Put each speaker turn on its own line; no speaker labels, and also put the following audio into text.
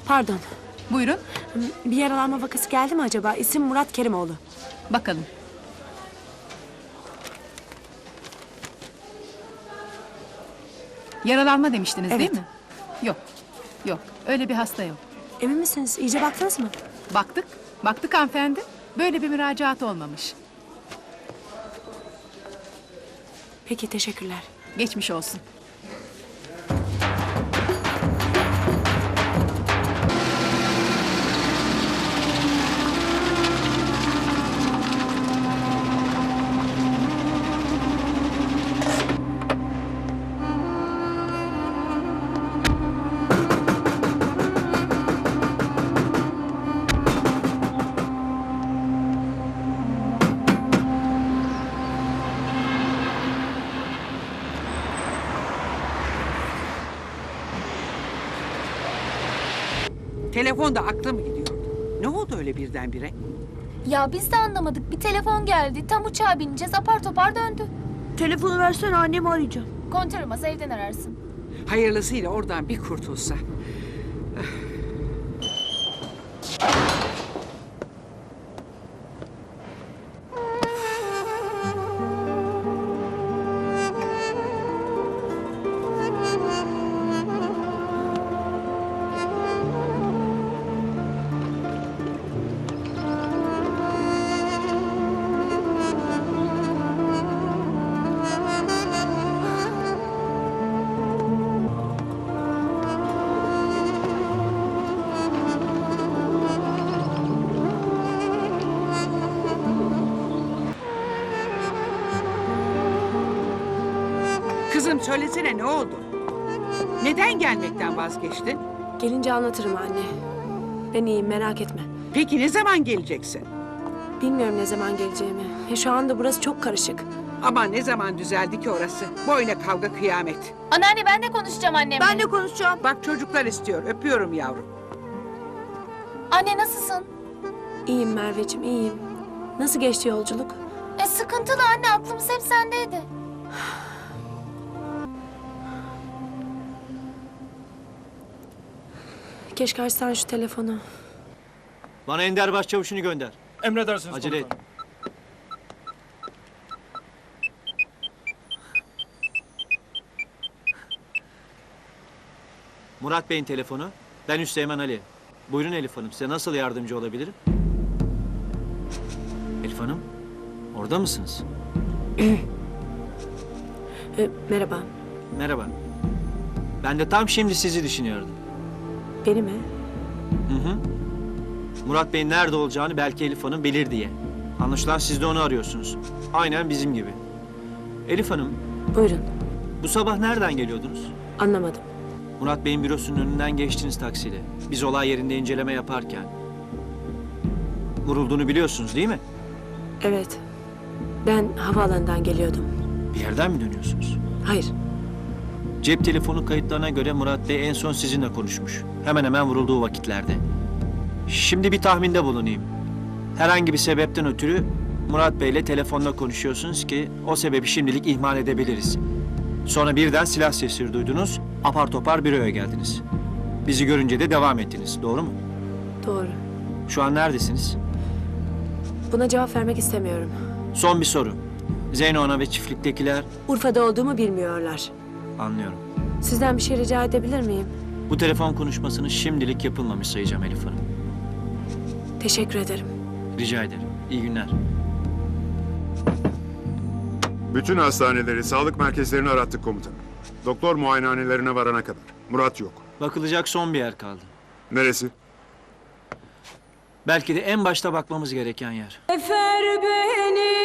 Pardon.
Buyurun.
Bir yaralanma vakası geldi mi acaba? İsim Murat Kerimoğlu.
Bakalım. Yaralanma demiştiniz
Evet.
değil mi? Yok. Yok. Öyle bir hasta yok.
Emin misiniz? İyice baktınız mı?
Baktık. Baktık hanımefendi. Böyle bir müracaat olmamış.
Peki, teşekkürler.
Geçmiş olsun.
Telefonda aklım gidiyordu. Ne oldu öyle birdenbire?
Ya biz de anlamadık. Bir telefon geldi. Tam uçağa bineceğiz. Apar topar döndü.
Telefonu versene, annemi arayacağım.
Kontör olmaz, evden ararsın.
Hayırlısıyla oradan bir kurtulsa. Kızım söylesene, ne oldu? Neden gelmekten vazgeçtin?
Gelince anlatırım anne. Ben iyiyim, merak etme.
Peki ne zaman geleceksin?
Bilmiyorum ne zaman geleceğimi. Şu anda burası çok karışık.
Ama ne zaman düzeldi ki orası? Boyuna kavga kıyamet.
Anneanne, ben de konuşacağım annemle.
Ben de konuşacağım.
Bak çocuklar istiyor, öpüyorum yavrum.
Anne, nasılsın?
İyiyim Merveciğim, iyiyim. Nasıl geçti yolculuk?
Sıkıntılı anne, aklımız hep sendeydi.
Keşke açsan şu telefonu.
Bana Ender Başçavuş'unu gönder.
Emredersiniz
Acele et.
komutanım.
Murat Bey'in telefonu. Ben Üsteğmen Ali. Buyurun Elif Hanım, size nasıl yardımcı olabilirim? Elif Hanım, orada mısınız?
Merhaba.
Merhaba. Ben de tam şimdi sizi düşünüyordum.
Beni mi?
Hı hı. Murat Bey'in nerede olacağını belki Elif Hanım bilir diye. Anlaşılan siz de onu arıyorsunuz. Aynen bizim gibi. Elif Hanım,
Buyurun.
bu sabah nereden geliyordunuz?
Anlamadım.
Murat Bey'in bürosunun önünden geçtiniz taksiyle. Biz olay yerinde inceleme yaparken. Vurulduğunu biliyorsunuz değil mi?
Evet. Ben havaalanından geliyordum.
Bir yerden mi dönüyorsunuz?
Hayır.
Cep telefonu kayıtlarına göre Murat Bey en son sizinle konuşmuş. Hemen hemen vurulduğu vakitlerde. Şimdi bir tahminde bulunayım. Herhangi bir sebepten ötürü Murat Bey'le telefonla konuşuyorsunuz ki o sebebi şimdilik ihmal edebiliriz. Sonra birden silah sesleri duydunuz, apar topar büroya geldiniz. Bizi görünce de devam ettiniz, doğru mu?
Doğru.
Şu an neredesiniz?
Buna cevap vermek istemiyorum.
Son bir soru. Zeyno Ana ve çiftliktekiler...
Urfa'da olduğumu bilmiyorlar.
Anlıyorum.
Sizden bir şey rica edebilir miyim?
Bu telefon konuşmasını şimdilik yapılmamış sayacağım Elif Hanım.
Teşekkür ederim.
Rica ederim. İyi günler.
Bütün hastaneleri, sağlık merkezlerini arattık komutanım. Doktor muayenehanelerine varana kadar. Murat yok.
Bakılacak son bir yer kaldı.
Neresi?
Belki de en başta bakmamız gereken yer.
Efer beni